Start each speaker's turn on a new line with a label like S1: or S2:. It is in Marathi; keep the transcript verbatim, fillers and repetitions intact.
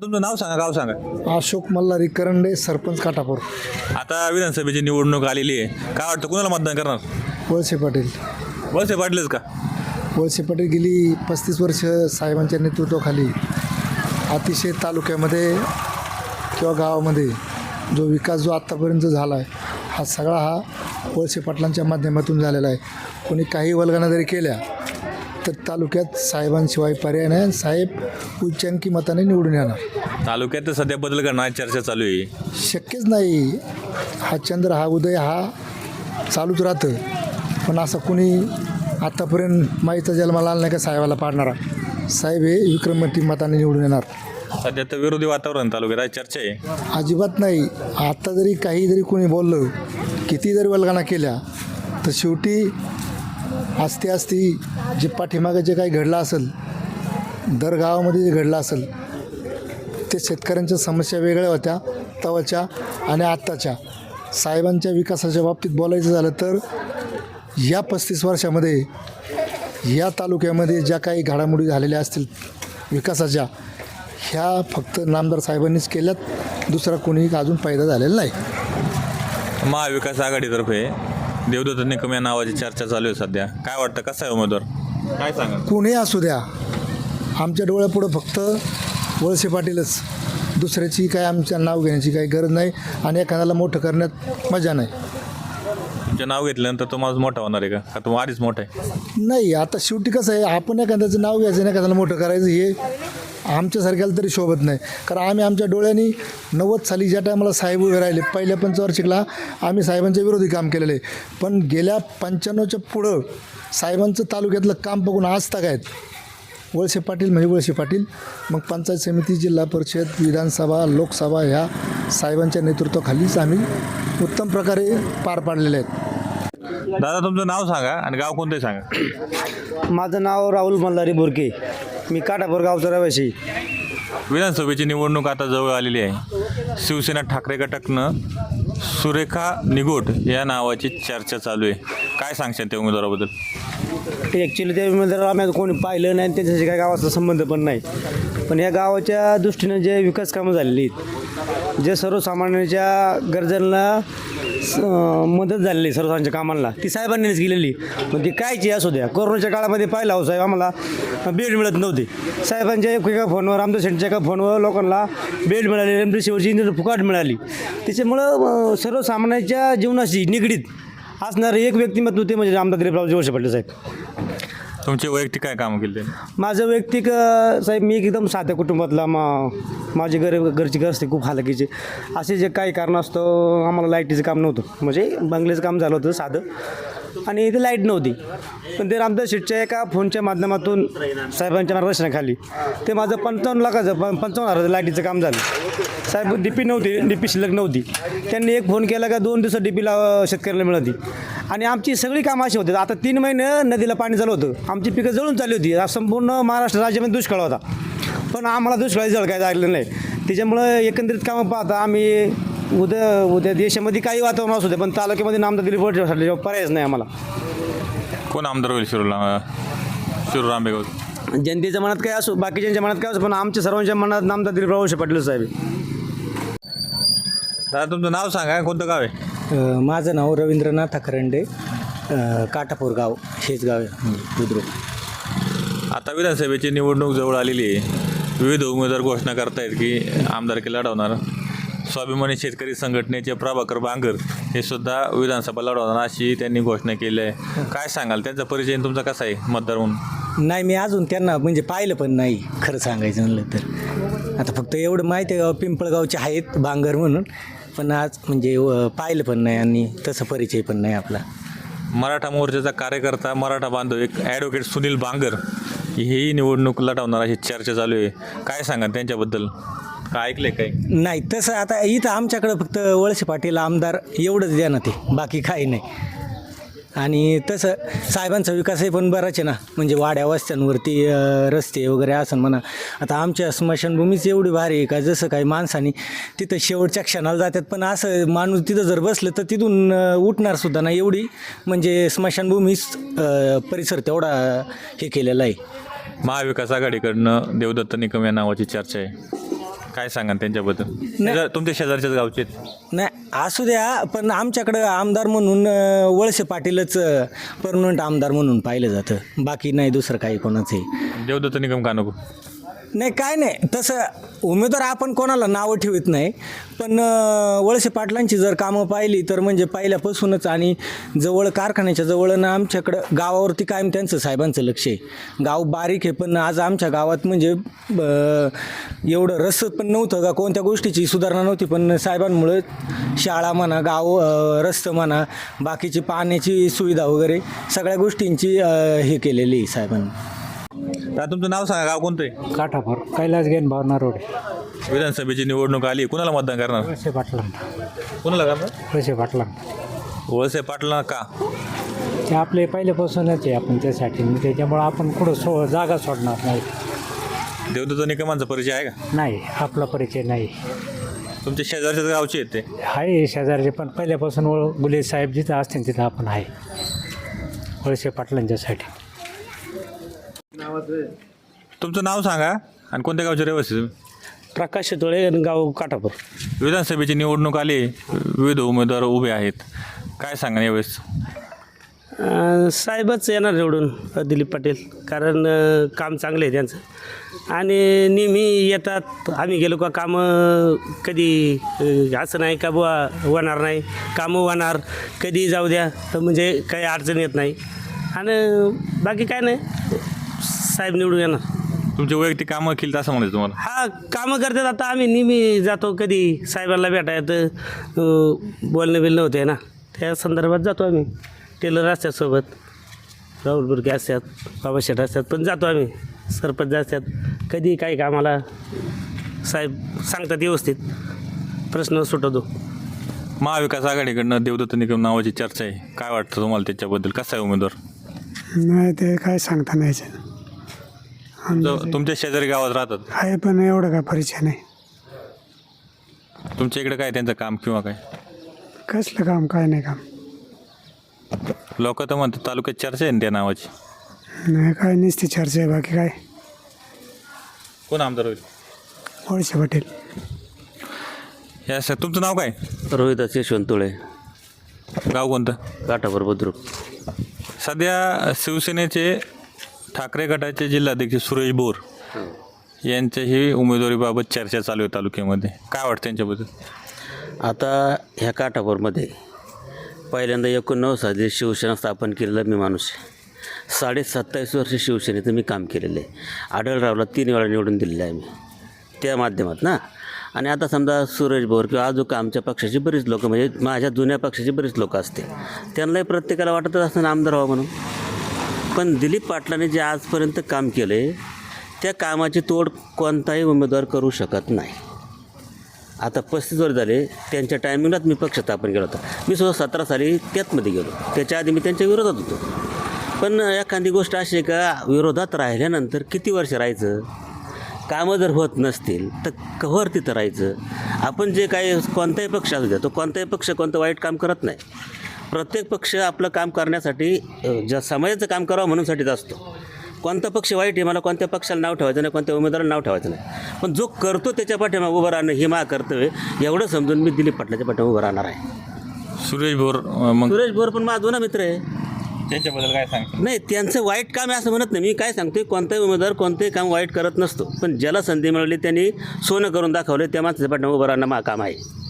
S1: तुमचं नाव सांगा, गाव सांगा.
S2: अशोक मल्हारी करंडे, सरपंच काटापूर.
S1: आता विधानसभेची निवडणूक आलेली आहे, काय वाटतं कुणाला मतदान करणार?
S2: वळसे पाटील.
S1: वळसे पाटीलच का?
S2: वळसे पाटील गेली पस्तीस वर्ष साहेबांच्या नेतृत्वाखाली अतिशय तालुक्यामध्ये किंवा गावामध्ये जो विकास जो आत्तापर्यंत झाला आहे हा सगळा हा वळसे पाटलांच्या माध्यमातून झालेला आहे. कोणी काही वल्गना जरी केल्या तर तालुक्यात साहेबांशिवाय पर्याय नाही आणि साहेब उच्चांकी मताने निवडून येणार.
S1: तालुक्यात तर सध्या बदल करण्याची चर्चा चालू आहे.
S2: शक्यच नाही. हा चंद्र हा उदय हा चालूच राहतं, पण असं कुणी आत्तापर्यंत माईचा जन्माला आला नाही का साहेबाला पाडणारा. साहेब हे विक्रमती मताने निवडून येणार.
S1: सध्या तर विरोधी वातावरण तालुक्यात आहे, चर्चा आहे.
S2: अजिबात नाही. आता जरी काही जरी कोणी बोललं, किती जरी वल्गना केल्या, तर शेवटी असते असती जे पाठीमागं जे काही घडलं असेल, दर गावामध्ये जे घडलं असेल, ते शेतकऱ्यांच्या समस्या वेगळ्या होत्या तवाच्या आणि आत्ताच्या. साहेबांच्या विकासाच्या बाबतीत बोलायचं झालं तर या पस्तीस वर्षामध्ये या तालुक्यामध्ये ज्या काही घडामोडी झालेल्या असतील विकासाच्या, ह्या फक्त नामदार साहेबांनीच केल्यात. दुसरा कोणी अजून फायदा झालेला नाही.
S1: महाविकास आघाडीतर्फे देवदत्त निकम या नावाची चर्चा चालू आहे सध्या, काय वाटतं कसा आहे उमेदवार, काय सांगा?
S2: कोणी असू द्या, आमच्या डोळ्यापुढं फक्त वळसे पाटीलच. दुसऱ्याची काय आमच्या नाव घेण्याची काही गरज नाही आणि एखाद्याला मोठं करण्यात मजा नाही.
S1: तुमचं नाव घेतल्यानंतर तो माणूस मोठा होणार आहे का, का तो आधीच मोठा आहे?
S2: नाही. आता शेवटी कसं आहे, आपण एखाद्याचं नाव घ्यायचं आणि एखाद्याला मोठं करायचं हे आमच्यासारख्याला तरी शोभत नाही. कारण आम्ही आमच्या डोळ्यांनी नव्वद साली ज्या टायमाला साहेब उभे राहिले, पहिल्या पंचवार्षिकला आम्ही साहेबांच्या विरोधी काम केलेलं आहे. पण गेल्या पंच्याण्णवच्या पुढं साहेबांचं तालुक्यातलं काम बघून आज तक आहेत. वळसे पाटील म्हणजे वळसे पाटील. मग पंचायत समिती, जिल्हा परिषद, विधानसभा, लोकसभा ह्या साहेबांच्या नेतृत्वाखालीच आम्ही उत्तम प्रकारे पार पाडलेले आहेत.
S1: दादा तुमचं नाव सांगा आणि गाव कोणतंही सांगा.
S3: माझं नाव राहुल मल्हारी बोरके, मी काटापूर गावचा रहिवासी.
S1: विधानसभेची निवडणूक आता जवळ आलेली आहे. शिवसेना ठाकरे गटातनं सुरेखा निगोट या नावाची चर्चा चालू आहे, काय सांगशाल त्या उमेदवाराबद्दल?
S3: ॲक्च्युली ते उमेदवार आम्ही आता कोणी पाहिलं नाही आणि त्यांच्याशी काही गावाचा संबंध पण नाही. पण या गावाच्या दृष्टीनं जे विकास कामं झालेली आहेत, जे सर्वसामान्यांच्या गरजांना मदत झालेली आहे, सर्वसामान्यांच्या कामांना ती साहेबांनीच केलेली. पण ती कायची असू द्या. कोरोनाच्या काळामध्ये पाहिला हो साहेब, आम्हाला बेड मिळत नव्हते. साहेबांच्या एक एका फोनवर, आमच्या सेंटरच्या एका फोनवर लोकांना बेड मिळाली, एमपीसीवरची इंजिन फुकाट मिळाली. त्याच्यामुळं सर्वसामान्यांच्या जीवनाशी निगडीत असणारं एक व्यक्तिमत्व ते म्हणजे आमदार दिलीपराव वळसे पाटील साहेब.
S1: तुमचे वैयक्तिक काय कामं केले?
S3: माझं वैयक्तिक साहेब, मी एकदम साध्या कुटुंबातला, मा माझी घर घरची घर असते खूप हालाकीचे. असे जे काही कारण असतं, आम्हाला लाईटीचं काम नव्हतं, म्हणजे बंगल्याचं काम झालं होतं साधं, आणि इथे लाईट नव्हती. पण ते रामदास शेठच्या एका फोनच्या माध्यमातून साहेबांच्या मार्गदर्शनाखाली ते माझं पंचावन्न लाखाचं प पंचावन्न हजाराचं लाईटीचं काम झालं. साहेब डी पी नव्हती, डी पी शिल्लक नव्हती. त्यांनी एक फोन केला का दोन दिवसात डी पीला शेतकऱ्याला मिळाली. आणि आमची सगळी कामं अशी होती. आता तीन महिने नदीला पाणी चालू होतं, आमची पिकं जळून चालली होती. संपूर्ण महाराष्ट्र राज्यामध्ये दुष्काळ होता, पण आम्हाला दुष्काळी जळ काय झालेलं नाही. त्याच्यामुळं एकंदरीत कामं पाहता आम्ही उद्या उद्या देशामध्ये काही वातावरण असू दे, पण तालुक्यामध्ये नामदार दिलीप वळसे पर्यायच नाही आम्हाला.
S1: कोण आमदार होईल शिरूर शिरूर आंबेगाव?
S3: जनतेच्या मनात काय असो, बाकीच्यांच्या मनात काय असो, पण आमच्या सर्वांच्या मनात नामदार दिलीप वळसे पाटील साहेब.
S1: दादा तुमचं नाव सांगा, कोणतं गाव आहे?
S4: माझं नाव रवींद्रनाथ खरंडे, काटापूर गाव, हेच गाव आहे बुद्रुक.
S1: आता विधानसभेची निवडणूक जवळ आलेली आहे. विविध उमेदवार घोषणा करतायत की आमदारकी लढवणार. स्वाभिमानी शेतकरी संघटनेचे प्रभाकर बांगर हे सुद्धा विधानसभा लढवणार अशी त्यांनी घोषणा केली आहे. काय सांगाल, त्यांचा परिचय तुमचा कसा आहे मतदार म्हणून?
S4: नाही, मी अजून त्यांना म्हणजे पाहिलं पण नाही खरं सांगायचं म्हणलं तर. आता फक्त एवढं माहिती आहे, पिंपळगावचे आहेत बांगर म्हणून, पण आज म्हणजे पाहिलं पण नाही आणि तसं परिचय पण नाही आपला.
S1: मराठा मोर्चाचा कार्यकर्ता, मराठा बांधव एक ॲडव्होकेट सुनील बांगर ही निवडणूक लढवणार अशी चर्चा चालू आहे, काय सांगा त्यांच्याबद्दल, काय ऐकलंय काय?
S4: नाही तसं आता इथं आमच्याकडं फक्त वळसे पाटील आमदार एवढंच द्या ना, ते बाकी काही नाही. आणि तसं साहेबांचा विकासही पण बराच आहे ना, म्हणजे वाड्या वस्त्यांवरती रस्ते वगैरे असं म्हणा. आता आमच्या स्मशानभूमीच एवढी भारी आहे का, जसं काही माणसाने तिथं शेवटच्या क्षणाला जातात, पण असं माणूस तिथं जर बसलं तर तिथून उठणार सुद्धा नाही, एवढी म्हणजे स्मशानभूमीच परिसर तेवढा हे केलेला आहे.
S1: महाविकास आघाडीकडनं देवदत्त निकम या नावाची चर्चा आहे, काय सांगा त्यांच्याबद्दल? शेजार- तुमच्या शेजारच्याच गावचे आहेत.
S4: नाही असू द्या, पण आमच्याकडं आमदार म्हणून अ, वळसे पाटीलच परमनंट आमदार म्हणून पाहिलं जातं, बाकी नाही दुसरं काही कोणाचंही.
S1: देवदत्त निकम का नको?
S4: नाही काय नाही, तसं उमेदवार आपण कोणाला नावं ठेवत नाही, पण अ, वळसे पाटलांची जर कामं पाहिली तर म्हणजे पहिल्यापासूनच आणि जवळ कारखान्याच्या जवळ ना आमच्याकडं गावावरती कायम त्यांचं साहेबांचं लक्ष आहे. गाव बारीक आहे पण आज आमच्या गावात म्हणजे अ, एवढं रस पण नव्हतं का कोणत्या गोष्टीची सुधारणा नव्हती, पण साहेबांमुळे शाळा म्हणा, गाव अ, रस्ते म्हणा, बाकीची पाण्याची सुविधा वगैरे सगळ्या गोष्टींची अ, हे केलेली आहे साहेबांनी.
S1: आता तुमचं नाव सांगा, गाव कोणतं आहे?
S5: काठाफार कैलास गेन भावना रोड
S1: विधानसभेची निवडणूक आली, कुणाला मतदान करणार?
S5: वळसे पाटला
S1: कुणाला करणार?
S5: वळसे पाटला
S1: वळसे पाटला का?
S5: ते आपले पहिल्यापासूनच आहे आपण त्यासाठी, त्याच्यामुळं आपण कुठं सो जागा सोडणार नाही.
S1: देवदत्त निकमांचा परिचय आहे का?
S5: नाही आपला परिचय नाही
S1: तुमच्या शेजारच्याच गावचे आहेत ते?
S5: आहे शेजारचे, पण पहिल्यापासून ओळ गुले साहेब जिथं असतील तिथं आपण आहे वळसे पाटलांच्यासाठी.
S1: तुमचं नाव सांगा आणि कोणत्या गावचे रहिवासी तुम्ही?
S3: प्रकाश तोळे गाव काठापूर.
S1: विधानसभेची निवडणूक आली, विविध उमेदवार उभे आहेत, काय सांगा यावेळेस?
S3: साहेबच येणार निवडून, दिलीप पाटील, कारण अ, काम चांगलं आहे त्यांचं आणि नेहमी येतात. आम्ही गेलो का कामं कधी अ, असं नाही का बुवा होणार नाही, कामं होणार, कधी जाऊ द्या, तर म्हणजे काही अडचण येत नाही आणि बाकी काय नाही, साहेब निवडून येणार.
S1: तुमचे वैयक्तिक कामं केली असं म्हणायचं तुम्हाला?
S3: हा कामं करतात. आता आम्ही नेहमी जातो, कधी साहेबांना भेटा येतं, अ, बोलणं बिलणं होते ना, त्या संदर्भात जातो आम्ही. टेलर असतात सोबत, राहुल बुरके असतात, बाबा शेठ असतात, पण जातो आम्ही. सरपंच असतात, कधी काही कामाला साहेब सांगतात, व्यवस्थित प्रश्न सुटवतो.
S1: महाविकास आघाडीकडनं देवदत्त निकम नावाची चर्चा आहे, काय वाटतं तुम्हाला त्याच्याबद्दल? कसा आहे उमेदवार?
S6: नाही ते काय सांगता नाही
S1: तुमचं- तुमच्या शेजारी गावात राहतात,
S6: आहे पण एवढं काय परिचय नाही.
S1: तुमच्या इकडे काय त्यांचं काम किंवा काय?
S6: कसलं काम काय नाही काम.
S1: लोक तर म्हणतात तालुक्यात चर्चा आहे ना त्या नावाची.
S6: नाही काय नुसती चर्चा आहे, बाकी काय.
S1: कोण आमदार होईल?
S6: वळसे पाटील.
S1: या सर तुमचं नाव काय?
S7: रोहिदास यशवंत तुळे,
S1: गाव कोणतं?
S7: काठापूर बुद्रुक.
S1: सध्या शिवसेनेचे ठाकरे गटाचे जिल्हाध्यक्ष सुरेश बोर यांच्याही उमेदवारीबाबत चर्चा चालू आहे तालुक्यामध्ये, काय वाटतं त्यांच्याबद्दल?
S7: आता ह्या काठापूरमध्ये पहिल्यांदा एकोणनव्वद साली शिवसेना स्थापन केलेला मी माणूस आहे. साडे सत्तावीस वर्ष शिवसेनेचं मी काम केलेलं आहे. आढळरावला तीन वेळा निवडून दिलेलं आहे मी त्या माध्यमात ना. आणि आता समजा सुरेश बोर किंवा अजून आमच्या पक्षाची बरीच लोकं, म्हणजे माझ्या जुन्या पक्षाची बरीच लोकं असते, त्यांनाही प्रत्येकाला वाटतच असतं आमदार व्हावं म्हणून. पण दिलीप पाटलांनी जे आजपर्यंत काम केलं आहे त्या कामाची तोड कोणताही उमेदवार करू शकत नाही. आता पस्तीस वर्ष झाले त्यांच्या टायमिंगलाच मी पक्ष स्थापन केला होता. मी सुद्धा सतरा साली त्यातमध्ये गेलो, त्याच्या आधी मी त्यांच्या विरोधात होतो. पण एखादी गोष्ट अशी आहे का, विरोधात राहिल्यानंतर किती वर्ष राहायचं? कामं जर होत नसतील तर कव्हर तिथं राहायचं. आपण जे काही कोणताही पक्ष असू द्या, तो कोणताही पक्ष कोणतं वाईट काम करत नाही. प्रत्येक पक्ष आपलं काम करण्यासाठी, ज्या समाजाचं काम करावं म्हणूनसाठीच असतो. कोणता पक्ष वाईट आहे, मला कोणत्या पक्षाला नाव ठेवायचं नाही, कोणत्या उमेदवाराला नाव ठेवायचं नाही, पण जो करतो त्याच्या पाठीमागे उभं राहणं हे मा कर्तव्य, एवढं समजून मी दिलीप पाटलाच्या पाठीमागे उभं राहणार आहे.
S1: सुरेश बोर अं, मग
S7: सुरेश बोर पण माझा जुना मित्र आहे.
S1: त्यांच्याबद्दल काय सांगता?
S7: नाही, त्यांचं वाईट काम आहे असं म्हणत नाही मी. काय सांगतोय, कोणताही उमेदवार कोणतंही काम वाईट करत नसतो, पण ज्याला संधी मिळाली त्यांनी सोनं करून दाखवलं, त्या माणसाच्या पाठीमागे उभं राहणं मा काम आहे.